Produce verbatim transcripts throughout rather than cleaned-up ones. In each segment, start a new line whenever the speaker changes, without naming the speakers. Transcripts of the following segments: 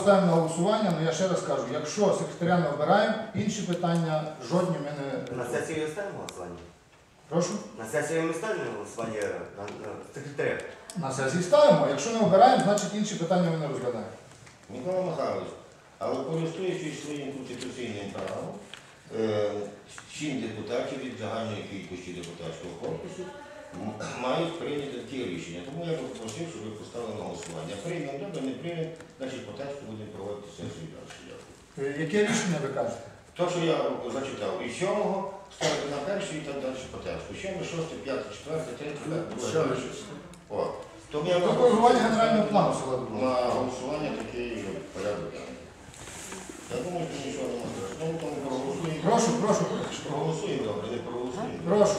поставимо на голосування, але я ще раз кажу, якщо секретаря не обираємо, інші питання жодні ми не...
На сесію ставимо голосування?
Прошу?
На сесію ми ставимо голосування на, на секретаря?
На сесії ставимо, якщо не обираємо, значить інші питання ми не розглядаємо.
Микола Михайлович, але користуючись своїм конституційним правом, сім депутатів від загальної кількості депутатського корпусу мають прийняти ті рішення. Тому я би попросив, щоб ви поставили на голосування. Приймемо, добре, не приймемо, значить по тексту будемо проводити сесію далі.
Яке рішення ви кажете?
То, що я зачитав, і сьомого ставити на перший і так далі по тексту. Сьомий, шостий, п'ятий, четвертий, третій, друге. Тому я
До коригування генерального плану села Дубова.
на голосування такий порядок. Я думаю, що нічого не може. Знову тому проголосуємо.
Прошу, прошу.
Проголосуємо, добре, не проголосуємо.
Прошу.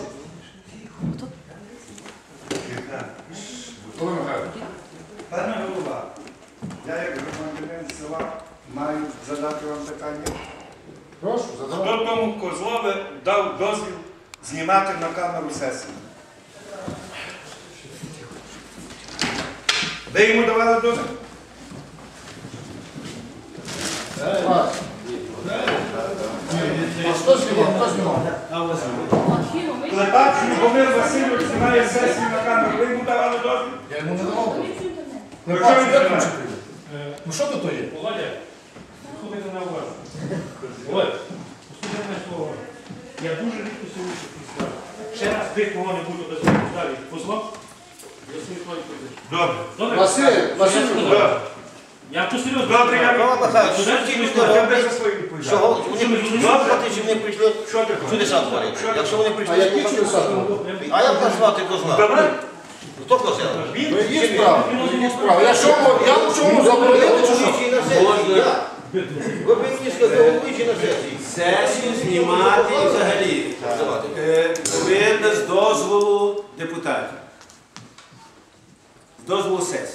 Пане голова, я як громадянин села маю задати вам питання.
Прошу, задавайте.
Хто тому Козлове дав дозвіл знімати на камеру сесію? Ви йому давали дозвіл?
Вас. А хто знімав? Хто знімав?
Клепач Любомир Васильович знімає сесію на камеру. Ви йому давали дозвіл?
Я йому не давав.
Ну,
Не
що він
бачу,
знімає?
виключити. Ну що тут є?
Володя, слухайте на увагу. Володя, послухайте мене слово. Я дуже рідко сьогодні підставлю. Ще раз ви кого-небудь дозволити далі позлом, я свої твої позиції.
Добре.
Добре?
Василь, Василь,
Добре.
Я тут серйозно.
Добре, я
Микола Михайлович, що ті люди
Я
роблять,
за свою відповідь.
що вони прийшли слухати, чи вони прийшли
Що ти
чудеса творити? Якщо вони
а
прийшли
які
слухати,
чудеса?
а як назвати козла?
Добре.
Хто козел?
Ну є справа, є справа. Я що, я в чому заборонити чи що?
Головуючий на сесії, як? Ви б мені сказали, головуючий на сесії.
Сесію знімати і взагалі е, повинна з дозволу депутатів. З дозволу сесії.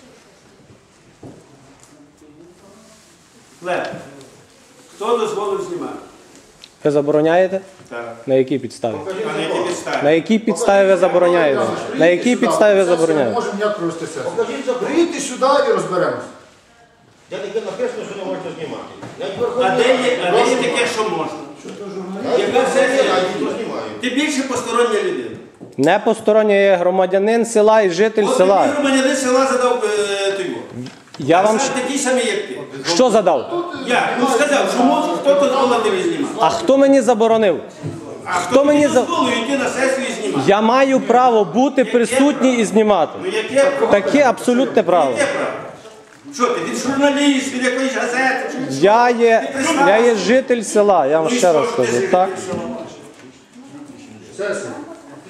Лев, хто дозволив знімати?
Ви забороняєте?
Так.
На якій підставі?
А на якій підставі?
На якій підставі ви забороняєте? На якій підставі ви
Ми
забороняєте?
можемо як провести сесію.
Покажіть за
Приїдьте сюди і розберемося.
Я таке написано, що не можна знімати. Навіть
А
Верховний
де є, а
Ради.
де є таке, що можна?
Навіть
Яка
Верховний
сесія?
Раді то знімають.
Ти більше постороння людина.
Не посторонній є громадянин села і житель
От
села.
тобі громадянин села задав е, той його.
Я вам
Сам такий самий, як ти.
що задав?
Я, ну сказав, що може хто дозволив тебе знімати.
А хто мені заборонив?
А
Хто
хто
мені
мені
за-
дозволив йти на сесію і знімати?
Я маю право бути присутній і знімати.
Ну яке право?
Таке абсолютне право.
Яке право? Що ти, від журналіст, від якоїсь газети? Чи-
Я є, я є житель села, я вам
Ну і
ще
що
раз
ти
скажу.
житель
Так?
села?
Сесія.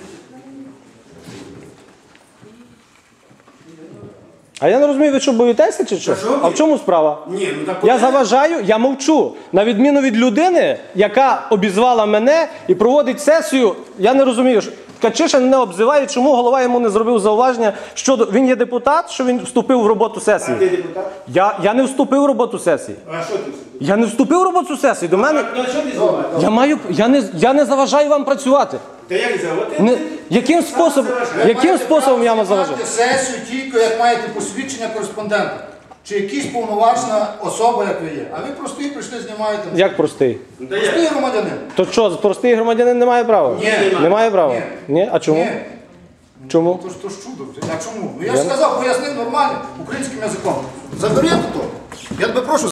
А я не розумію, ви що боїтеся чи що?
Та що ви?
А в чому справа?
Ні, ну так
Я заважаю, я мовчу. На відміну від людини, яка обізвала мене і проводить сесію, я не розумію, що Ткачишин не обзиває, чому голова йому не зробив зауваження, що він є депутат, що він вступив в роботу
ти
сесії.
депутат?
Я, я не вступив в роботу сесії.
А що ти?
Я не вступив в роботу сесії. До мене
Ну а що ти знімаєш?
я маю, я не, я не заважаю вам працювати.
Та як заводити?
Не, яким способом, яким способом я вам заважаю?
Маєте сесію тільки, як маєте посвідчення кореспондента. Чи якась повноважна особа, як ви є. А ви простий прийшли, знімаєте.
Як простий?
Та як?
Простий громадянин.
То що, простий громадянин не має права?
Ні.
Не має права?
Ні.
Ні? А чому?
Ні.
Чому?
То ж, то ж чудо. А чому? Ну я ж сказав, пояснив нормально, українським язиком. Заберіть то. Я тебе прошу.